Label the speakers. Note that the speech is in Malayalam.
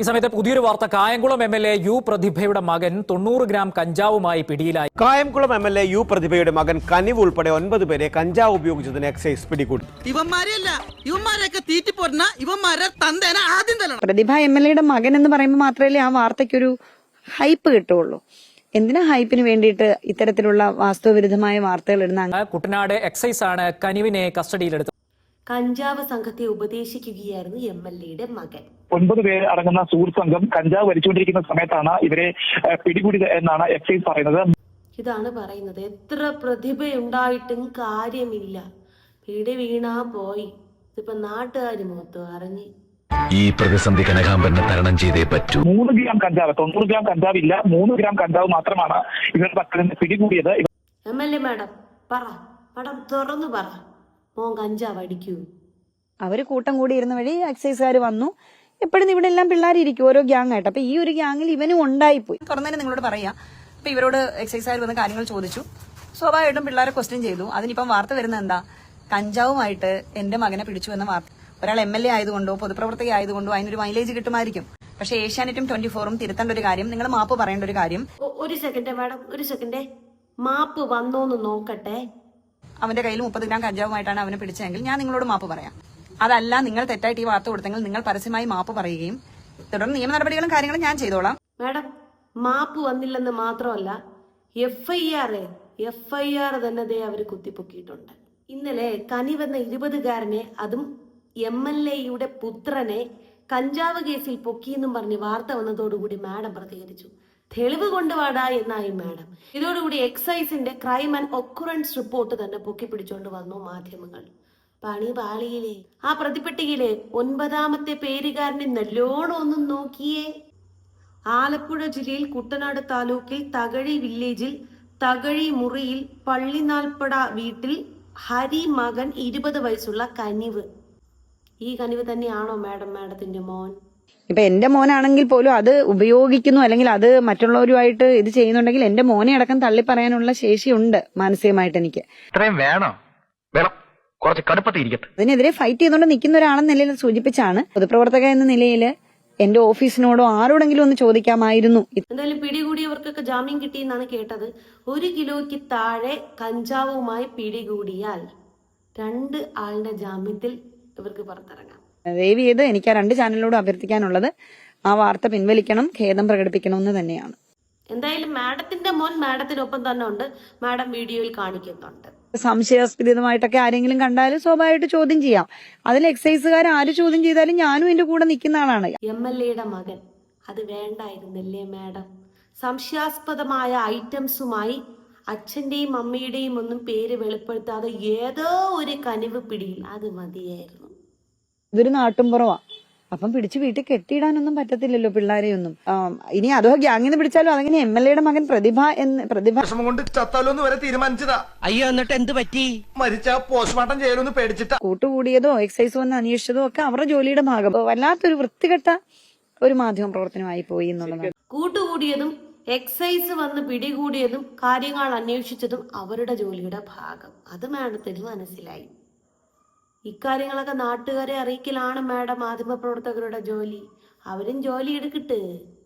Speaker 1: ഈ സമയത്ത് പുതിയൊരു വാർത്ത. കായംകുളം എം.എൽ.എ. യു പ്രതിഭയുടെ മകൻ 90 ഗ്രാം കഞ്ചാവുമായി പിടിയിലായി.
Speaker 2: കായംകുളം എം.എൽ.എ. യു പ്രതിഭയുടെ മകൻ കനിവ് ഉൾപ്പെടെ 9 പേരെ കഞ്ചാവ് ഉപയോഗിച്ചതിന് എക്സൈസ് പിടികൂടി.
Speaker 3: പ്രതിഭ എം.എൽ.എയുടെ മകൻ എന്ന് പറയുമ്പോൾ മാത്രമല്ലേ ആ വാർത്തയ്ക്കൊരു ഹൈപ്പ് കിട്ടുള്ളൂ. എന്തിനാ ഹൈപ്പിന് വേണ്ടിയിട്ട് ഇത്തരത്തിലുള്ള വാസ്തവവിരുദ്ധമായ വാർത്തകൾ ഇടുന്ന?
Speaker 1: കുട്ടനാട് എക്സൈസ് ആണ് കനിവിനെ കസ്റ്റഡിയിലെടുത്തത്.
Speaker 4: കഞ്ചാവ് സംഘത്തെ ഉപദേശിക്കുകയായിരുന്നു എം.എൽ.എയുടെ മകൻ.
Speaker 5: 9 പേർ അടങ്ങുന്ന സുഹൃത്ത് സംഘം കഞ്ചാവ് വലിച്ചുകൊണ്ടിരിക്കുന്ന സമയത്താണ് ഇവരെ പിടികൂടിയത് എന്നാണ് എക്സൈസ് പറയുന്നത്.
Speaker 4: ഇതാണ് പറയുന്നത്. എത്ര പ്രതിഭയുണ്ടായിട്ടും കാര്യമില്ല, പിടി വീണാ പോയി. ഇതിപ്പോ നാട്ടുകാര് മൊത്തം അറിഞ്ഞ്
Speaker 6: ഈ പ്രതിസന്ധി കനകാംബരനെ തരണം ചെയ്തേ പറ്റൂ.
Speaker 5: 3 ഗ്രാം കഞ്ചാവ്, 90 ഗ്രാം കഞ്ചാവില്ല, 3 ഗ്രാം കഞ്ചാവ് മാത്രമാണ് ഇവരുടെ പക്കൽ നിന്ന് പിടികൂടിയത്.
Speaker 4: എം.എൽ.എ. മാഡം മാഡം തുറന്നു പറ, മോൻ കഞ്ചാവ് അടിക്കൂ?
Speaker 3: അവര് കൂട്ടം കൂടി ഇരുന്ന വഴി എക്സൈസുകാർ വന്നു. എപ്പോഴും ഇവിടെ എല്ലാം പിള്ളേരിക്കും ഓരോ ഗ്യാങ് ആയിട്ട്. അപ്പൊ ഈ ഒരു ഗ്യാങ്ങിൽ ഇവനും ഉണ്ടായിപ്പോയി. തുറന്നതിന് നിങ്ങളോട് പറയാം. അപ്പൊ ഇവരോട് എക്സൈസുകാർ വന്ന് കാര്യങ്ങൾ ചോദിച്ചു. സ്വാഭാവികമായിട്ടും പിള്ളേരെ ക്വസ്റ്റ്യൻ ചെയ്തു. അതിനിപ്പം വാർത്ത വരുന്നത് എന്താ? കഞ്ചാവുമായിട്ട് എന്റെ മകനെ പിടിച്ചു എന്ന വാർത്ത. ഒരാൾ എം.എൽ.എ. ആയതുകൊണ്ടോ പൊതുപ്രവർത്തക ആയതുകൊണ്ടോ അതിനൊരു മൈലേജ് കിട്ടുമായിരിക്കും. പക്ഷേ ഏഷ്യാനെറ്റും 24ഉം തിരുത്തേണ്ട ഒരു കാര്യം, നിങ്ങൾ മാപ്പ് പറയേണ്ട ഒരു കാര്യം.
Speaker 4: ഒരു സെക്കൻഡ് മാഡം, ഒരു സെക്കൻഡ്. മാപ്പ് വന്നോന്ന് നോക്കട്ടെ.
Speaker 3: അവന്റെ കയ്യിൽ 30 ഗ്രാം കഞ്ചാവുമായിട്ടാണ് അവനെ പിടിച്ചതെങ്കിൽ ഞാൻ നിങ്ങളോട് മാപ്പ് പറയാം. അതല്ല, നിങ്ങൾ തെറ്റായിട്ട് ഈ വാർത്ത കൊടുത്തെങ്കിൽ നിങ്ങൾ പരസ്യമായി മാപ്പ് പറയുകയും തുടർന്ന് നിയമ നടപടികളും കാര്യങ്ങളും ഞാൻ ചെയ്തോളാം.
Speaker 4: മാഡം, മാപ്പ് വന്നില്ലെന്ന് മാത്രമല്ല, എഫ്ഐആർ തന്നെ ദേ അവര് കുത്തിപ്പൊക്കിയിട്ടുണ്ട്. ഇന്നലെ കനിവെന്ന 20കാരനെ, അതും എം.എൽ.എയുടെ പുത്രനെ കഞ്ചാവ് കേസിൽ പൊക്കിയെന്നും പറഞ്ഞ് വാർത്ത വന്നതോടുകൂടി മാഡം പ്രതികരിച്ചു. തെളിവ് കൊണ്ടുവാടാ എന്നായി മാഡം. ഇതോടുകൂടി എക്സൈസിന്റെ ക്രൈം ആൻഡ് ഒക്കുറൻസ് റിപ്പോർട്ട് തന്നെ പൊക്കിപ്പിടിച്ചോണ്ട് വന്നു മാധ്യമങ്ങൾ. പണി പാളിയിലെ ആ പ്രതിപട്ടികയിലെ 9ാമത്തെ പേരുകാരനെ നല്ലോണം ഒന്നും നോക്കിയേ. ആലപ്പുഴ ജില്ലയിൽ കുട്ടനാട് താലൂക്കിൽ തകഴി വില്ലേജിൽ തകഴി മുറിയിൽ പള്ളിനാൽപ്പട വീട്ടിൽ ഹരി മകൻ 20 വയസ്സുള്ള കനിവ്. ഈ കനിവ് തന്നെയാണോ മാഡത്തിന്റെ മോൻ?
Speaker 3: ഇപ്പൊ എന്റെ മോനാണെങ്കിൽ പോലും അത് ഉപയോഗിക്കുന്നു, അല്ലെങ്കിൽ അത് മറ്റുള്ളവരുമായിട്ട് ഇത് ചെയ്യുന്നുണ്ടെങ്കിൽ എന്റെ മോനെ അടക്കം തള്ളി പറയാനുള്ള ശേഷിയുണ്ട് മാനസികമായിട്ട് എനിക്ക്.
Speaker 6: ഇത്രയും വേണം കുറച്ച് കടുപ്പത്തിരിക്കട്ടെ.
Speaker 3: അതിനെതിരെ ഫൈറ്റ് ചെയ്തുകൊണ്ട് നിൽക്കുന്ന ഒരാളെന്ന നിലയിൽ സൂചിപ്പിച്ചാണ്. പൊതുപ്രവർത്തക എന്ന നിലയിൽ എന്റെ ഓഫീസിനോടോ ആരോടെങ്കിലും ഒന്ന് ചോദിക്കാമായിരുന്നു.
Speaker 4: എന്തായാലും പിടികൂടിയവർക്കൊക്കെ ജാമ്യം കിട്ടിയെന്നാണ് കേട്ടത്. 1 കിലോയ്ക്ക് താഴെ കഞ്ചാവുമായി പിടികൂടിയാൽ 2 ആളുടെ ജാമ്യത്തിൽ ഇവർക്ക് പുറത്തിറങ്ങാം.
Speaker 3: ദയവ് ചെയ്ത് എനിക്ക് ആ 2 ചാനലിനോട് അഭ്യർത്ഥിക്കാനുള്ളത് ആ വാർത്ത പിൻവലിക്കണം, ഖേദം പ്രകടിപ്പിക്കണമെന്ന് തന്നെയാണ്.
Speaker 4: എന്തായാലും മാഡത്തിന്റെ മോൻ മാഡത്തിനൊപ്പം തന്നെ ഉണ്ട്. മാഡം വീഡിയോയിൽ കാണിക്കുന്നുണ്ട്.
Speaker 3: സംശയാസ്പദമായിട്ടൊക്കെ ആരെങ്കിലും കണ്ടാലും സ്വാഭാവികമായിട്ട് ചോദ്യം ചെയ്യാം. അതിൽ എക്സൈസുകാർ ആര് ചോദ്യം ചെയ്താലും ഞാനും എന്റെ കൂടെ നിൽക്കുന്ന ആളാണ്.
Speaker 4: എം.എൽ.എയുടെ മകൻ, അത് വേണ്ടായിരുന്നില്ലേ മാഡം? സംശയാസ്പദമായ ഐറ്റംസുമായി അച്ഛന്റെയും അമ്മയുടെയും ഒന്നും പേര് വെളിപ്പെടുത്താതെ ഏതോ ഒരു കനിവ് പിടിയിൽ, അത് മതിയായിരുന്നു.
Speaker 3: ഇതൊരു നാട്ടുംപുറവാ. അപ്പം പിടിച്ച് വീട്ടിൽ കെട്ടിയിടാനൊന്നും പറ്റത്തില്ലല്ലോ പിള്ളേരെയൊന്നും. ഇനി അതോ ഗ്യാങ്ങിന്ന് പിടിച്ചാലും അതങ്ങനെ എം.എൽ.എയുടെ മകൻ പ്രതിഭ
Speaker 7: കൊണ്ട് ചത്താലോന്ന് വരെ തീരുമാനിച്ചതാ.
Speaker 8: അയ്യോ, എന്നിട്ട് എന്ത് പറ്റി?
Speaker 7: മരിച്ച പോസ്റ്റ്മോർട്ടം ചെയ്യലൊന്ന് പേടിച്ചിട്ടാ.
Speaker 3: കൂട്ടുകൂടിയതോ എക്സൈസ് വന്ന് അന്വേഷിച്ചതോ ഒക്കെ അവരുടെ ജോലിയുടെ ഭാഗം. വല്ലാത്തൊരു വൃത്തികെട്ട ഒരു മാധ്യമ പ്രവർത്തനമായി പോയി എന്നുള്ളതാണ്.
Speaker 4: കൂട്ടുകൂടിയതും എക്സൈസ് വന്ന് പിടികൂടിയതും കാര്യങ്ങൾ അന്വേഷിച്ചതും അവരുടെ ജോലിയുടെ ഭാഗം. അത് മാഡത്തിന് മനസ്സിലായി. ഇക്കാര്യങ്ങളൊക്കെ നാട്ടുകാരെ അറിയിക്കലാണ് മാഡം മാധ്യമപ്രവർത്തകരുടെ ജോലി. അവരും ജോലി എടുക്കട്ടെ.